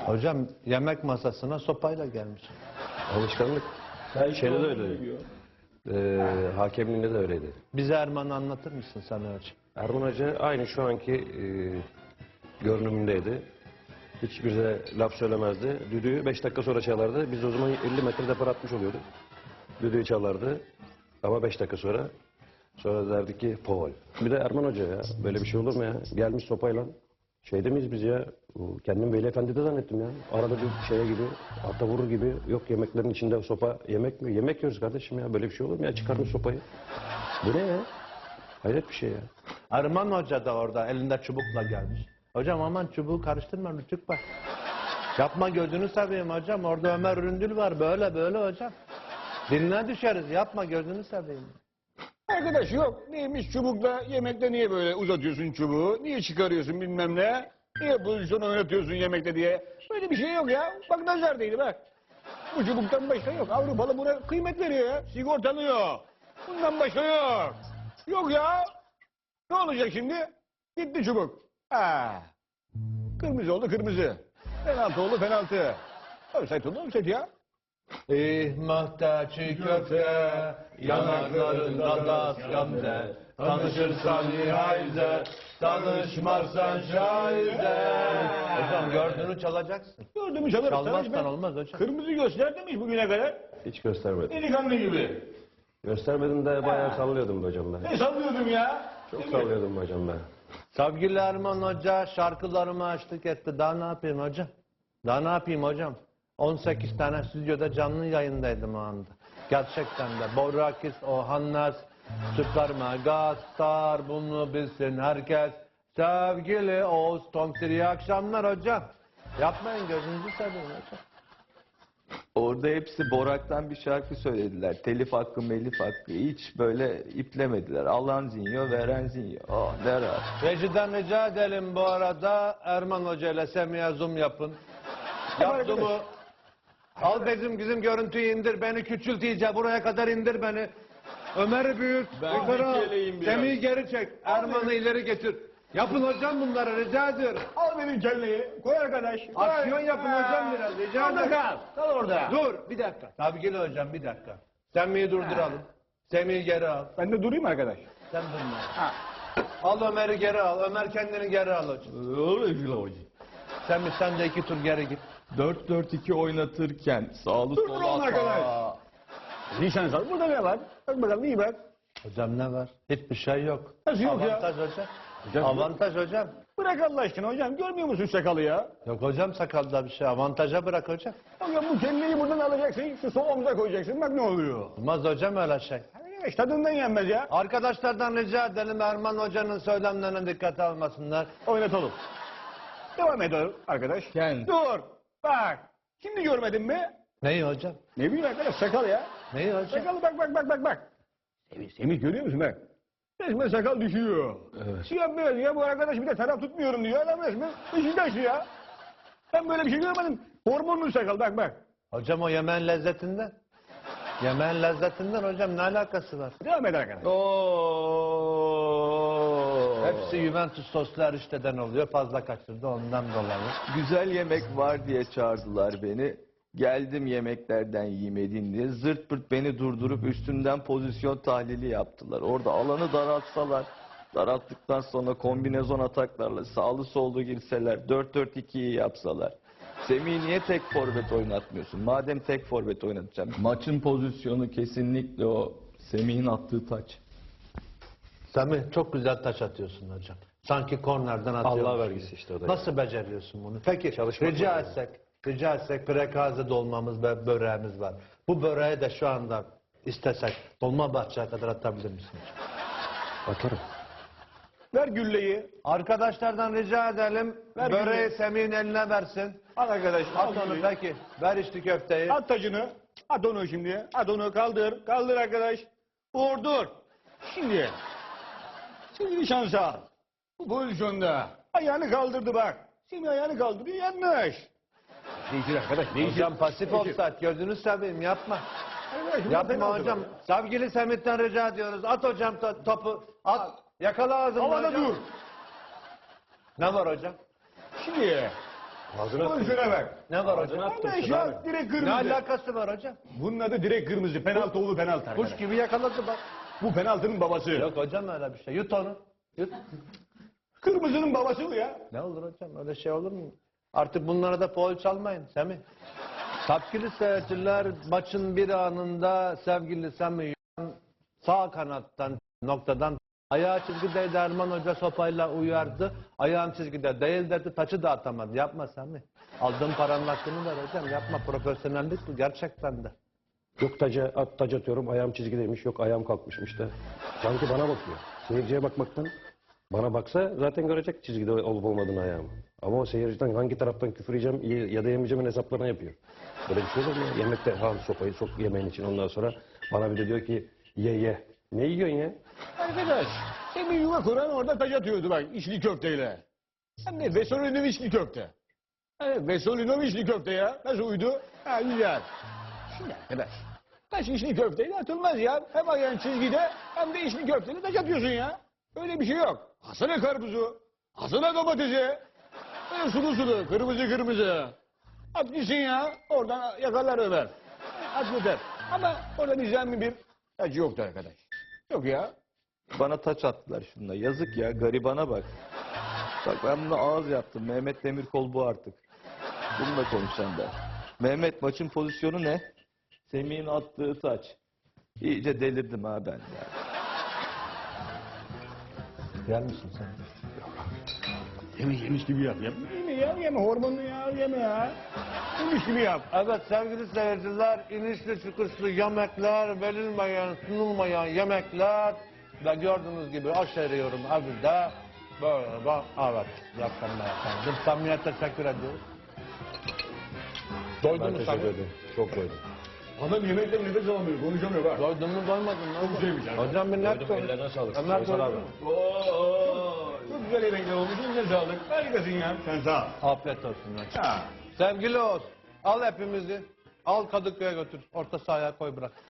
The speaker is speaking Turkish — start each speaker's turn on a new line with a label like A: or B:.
A: Hocam yemek masasına sopayla gelmiş.
B: Alışkanlık. Şeyde de öyleydi. Hakemliğinde de öyleydi.
A: Bize Erman'ı anlatır mısın sen hocam?
B: Erman Hoca aynı şu anki görünümündeydi. Hiçbir de laf söylemezdi. Düdüğü 5 dakika sonra çalardı. Biz o zaman 50 metre depar atmış oluyorduk. Düdüğü çalardı ama 5 dakika sonra. Sonra derdi ki faul. Bir de Erman Hoca ya. Böyle bir şey olur mu ya? Gelmiş sopayla. Şeyde miyiz biz ya? Kendim Veli Efendi'de zannettim ya. Arada bir şeye gibi, ata vurur gibi. Yok yemeklerin içinde sopa yemek mi? Yemek yiyoruz kardeşim ya. Böyle bir şey olur mu ya? Çıkarmış sopayı. Bu ne ya? Hayret bir şey ya.
A: Erman Hoca da orada elinde çubukla gelmiş. Hocam aman çubuğu karıştırma Rütük bak. Yapma gözünü seveyim hocam. Orada Ömer Üründül var. Böyle böyle hocam. Diline düşeriz. Yapma gözünü seveyim.
C: Arkadaş yok. Neymiş çubukla yemekte niye böyle uzatıyorsun çubuğu? Niye çıkarıyorsun bilmem ne? Niye pozisyon oynatıyorsun yemekte diye? Böyle bir şey yok ya. Bak nazar değdi bak. Bu çubuktan başka yok. Avrupalı buna kıymet veriyor ya. Sigortalıyor. Bundan başka yok. Yok ya. Ne olacak şimdi? Gitti çubuk. Ha. Kırmızı oldu kırmızı. Penaltı oldu penaltı. Offside oldu offside ya.
A: İhmahta çiğ köfte, yanaklarında das gamze. Tanışırsan nihayze, tanışmazsan şahize. Hocam gördüğünü çalacaksın.
C: Gördüğümü çalarız.
A: Çalmazsan olmaz hocam.
C: Kırmızı göster demiş bugüne kadar.
B: Hiç göstermedim.
C: Delikanlı gibi.
B: Göstermedim de bayağı sallıyordum be hocam ben.
C: Ne sallıyordum ya?
B: Çok sallıyordum be hocam ben.
A: Sevgili Erman Hoca şarkılarıma açlık etti. Daha ne yapayım hocam? Daha ne yapayım hocam? 18 tane stüdyoda canlı yayındaydım o anda. Gerçekten de. Borakis, Ohannes, Süper Megastar, bunu bilsin herkes. Sevgili Oğuz Tomtir, iyi akşamlar hocam. Yapmayın gözünüzü seveyim hocam.
D: Orada hepsi Borak'tan bir şarkı söylediler. Telif hakkı, melif hakkı. Hiç böyle iplemediler. Alan zinyo, veren zinyo. Oh ne rahat.
A: Rejiden rica edelim bu arada. Erman Hoca ile Semih'e zoom yapın. Yap zoom'u. Al bizim görüntüyü indir. Beni küçült iyice. Buraya kadar indir beni. Ömer'i büyüt. Yukarı al. Semih'i geri çek. Erman'ı ileri getir. Yapın hocam bunları rica ediyorum.
C: Al benim kelleyi. Koy arkadaş. Koy.
A: Aksiyon yapın hocam biraz rica
C: Orada
A: ederim.
C: kal. Kal orada.
A: Dur bir dakika. Sevgili hocam bir dakika. Semih'i durduralım. Semih'i geri al.
C: Ben de durayım arkadaş.
A: Sen durma. Al Ömer'i geri al. Ömer kendini geri al hocam. Semih sen de 2 tur geri git.
D: 4-4-2 oynatırken sağlı
C: Dur
D: solu
C: oğlum arkadaş.
D: ata.
C: Nişan sal. Burada ne var? Bak bakalım iyi bak.
A: Hocam ne var? Hiçbir şey yok.
C: Nasıl yok ya?
A: Avantaj hocam. Avantaj hocam.
C: Bırak Allah aşkına hocam. Görmüyor musun sakalı ya?
A: Yok hocam sakalda bir şey. Avantaja bırak hocam.
C: Hocam bu kelleyi buradan alacaksın. Şu sol omuza koyacaksın. Bak ne oluyor.
A: Olmaz hocam öyle şey.
C: Arkadaş tadından yenmez ya.
A: Arkadaşlardan rica edelim Erman Hoca'nın söylemlerine dikkat almasınlar.
C: Oynatalım. Devam edelim arkadaş.
D: Gel.
C: Dur. Bak. Şimdi görmedin mi?
A: Neyi hocam?
C: Ne bileyim arkadaş sakal ya.
A: Neyi hocam?
C: Sakalı bak. Semih görüyor musun bak? Resmen sakal düşüyor.
B: Evet.
C: Siyah beyaz ya bu arkadaş bir de taraf tutmuyorum diyor. Adam resmen Beşiktaşlı ya. Ben böyle bir şey görmedim. Hormonlu sakal bak.
A: Hocam o yemeğin lezzetinden. Yemeğin lezzetinden hocam ne alakası var?
C: Devam et arkadaş.
D: Oo.
A: Hepsi Juventus soslu erişteden oluyor. Fazla kaçırdı ondan dolayı.
D: Güzel yemek var diye çağırdılar beni. Geldim yemeklerden yemedin diye. Zırt pırt beni durdurup üstümden pozisyon tahlili yaptılar. Orada alanı daraltsalar, daralttıktan sonra kombinezon ataklarla sağlı sollu girseler, 4-4-2'yi yapsalar. Semih'i niye tek forvet oynatmıyorsun? Madem tek forvet oynatacağım. Maçın pozisyonu kesinlikle o Semih'in attığı taç.
A: Semih çok güzel taş atıyorsun hocam. Sanki kornerden atıyorsun.
B: Allah vergisi işte o da.
A: Nasıl beceriyorsun bunu? Peki
B: Çalışmak
A: rica
B: lazım.
A: etsek prekaze dolmamız ve böreğimiz var. Bu böreği de şu anda istesek Dolmabahçe'ye kadar atabilir misin?
B: Atarım.
C: Ver gülleyi.
A: Arkadaşlardan rica edelim.
C: Ver
A: Böreği
C: gülleyi.
A: Semih'in eline versin.
C: Al arkadaş.
A: At
C: Al
A: onu
C: gülleyi.
A: peki. Ver içli köfteyi.
C: At tacını. At onu şimdi. At onu kaldır. Kaldır arkadaş. Dur. Şimdi. Şimdi bir şans al. Bu pozisyonda. Ayağını kaldırdı bak. Şimdi ayağını kaldırıyor yanlış. Değişir arkadaş değişir.
A: Hocam pasif
C: Değişir.
A: offside gözünü seveyim yapma.
C: Arkadaş, bu
A: Yapma
C: penaltı
A: hocam.
C: bak.
A: Sevgili Semih'ten rica ediyoruz. At hocam topu. At. Yakala ağzını
C: Havada
A: hocam.
C: dur.
A: Ne var hocam?
C: Şimdi
B: Ağzına attım.
C: Pozisyona bak.
A: Ne var
B: Ağzına
A: hocam?
B: attım.
C: Beş
B: Şuna
C: ya
B: bak.
C: direkt
A: Ne
C: kırmızı.
A: alakası var hocam?
C: Bunun adı direkt kırmızı. Penaltı oğlu penaltı
A: Kuş
C: arkadaş.
A: gibi yakaladı bak.
C: Bu penaltının babası.
A: Yok hocam öyle bir şey. Yut onu. Yut.
C: Kırmızının babası bu ya.
A: Ne olur hocam öyle şey olur mu? Artık bunlara da foul çalmayın Semih. Sevgili seyirciler maçın bir anında sevgili Semih sağ kanattan noktadan ayağı çizgideydi, Erman Hoca sopayla uyardı. Ayağım çizgide değil dedi, taçı da atamadı. Yapma Semih. Aldığın paranın hakkını ver hocam. Yapma, profesyonellik bu gerçekten de.
B: Yok taç atıyorum, ayağım çizgideymiş, yok ayağım kalkmışmış da. Sanki bana bakıyor. Seyirciye bakmaktan bana baksa zaten görecek çizgide olup olmadığını ayağımı. Ama o seyirciden hangi taraftan küfür yiyeceğim ya da yemeyeceğimin hesaplarını yapıyor. Böyle bir şey olur mu ya? Yemekte sopayı sok yemeğin için, ondan sonra bana bir de diyor ki ye. Ne yiyorsun ya?
C: Arkadaş, Semih yuva kuran orada taç atıyordu bak içli köfteyle. Hem de Vesolinov içli köfte. Evet, Vesolinov içli köfte ya. Nasıl uydu? Ha güzel. Şimdi arkadaş, taş içli köfteyle atılmaz ya. Hem ayağın çizgide hem de içli köfteyle taç atıyorsun ya. Öyle bir şey yok. Asana karpuzu, asana domatesi. Böyle sulu kırmızı. At gitsin ya. Oradan yakarlar Ömer. At yeter. Ama orada nizami bir taç yoktu arkadaş. Yok ya.
D: Bana taç attılar şunda. Yazık ya, garibana bak. Bak ben buna ağız yaptım. Mehmet Demirkol bu artık. Bununla konuşacağım ben. Mehmet, maçın pozisyonu ne? Semih'in attığı taç. İyice delirdim ha ben ya.
A: Yer misin sen?
C: Yemiş gibi yap. Yeme hormonlu ya, yeme ya. Yemiş gibi yap.
A: Evet sevgili seyirciler, inişli çıkışlı yemekler, verilmeyen, sunulmayan yemekler ve gördüğünüz gibi aşeriyorum evde. Böyle bak, evet, yakınlar efendim. Samimiye teşekkür ediyoruz. Doydun
B: Ben
A: mu
B: teşekkür
A: Samimi?
B: ederim. Çok doydum.
C: Adam yemekten nefes alamıyor, konuşamıyor bak.
A: Doydun mu doymadın mı?
C: Çok güzelmiş abi.
A: Hocam bir net
B: Doydum,
A: konuş.
B: ellerine sağlık.
A: Ömer
B: Faysal
A: doydun
B: abi.
A: mu?
C: Çok güzel yemekler olmuş, eline sağlık. Harikasın ya. Sen sağ ol.
A: Afiyet olsun. Hocam.
C: Ha.
A: Sevgili Oğuz, al hepimizi, al Kadıköy'e götür, orta sahaya koy bırak.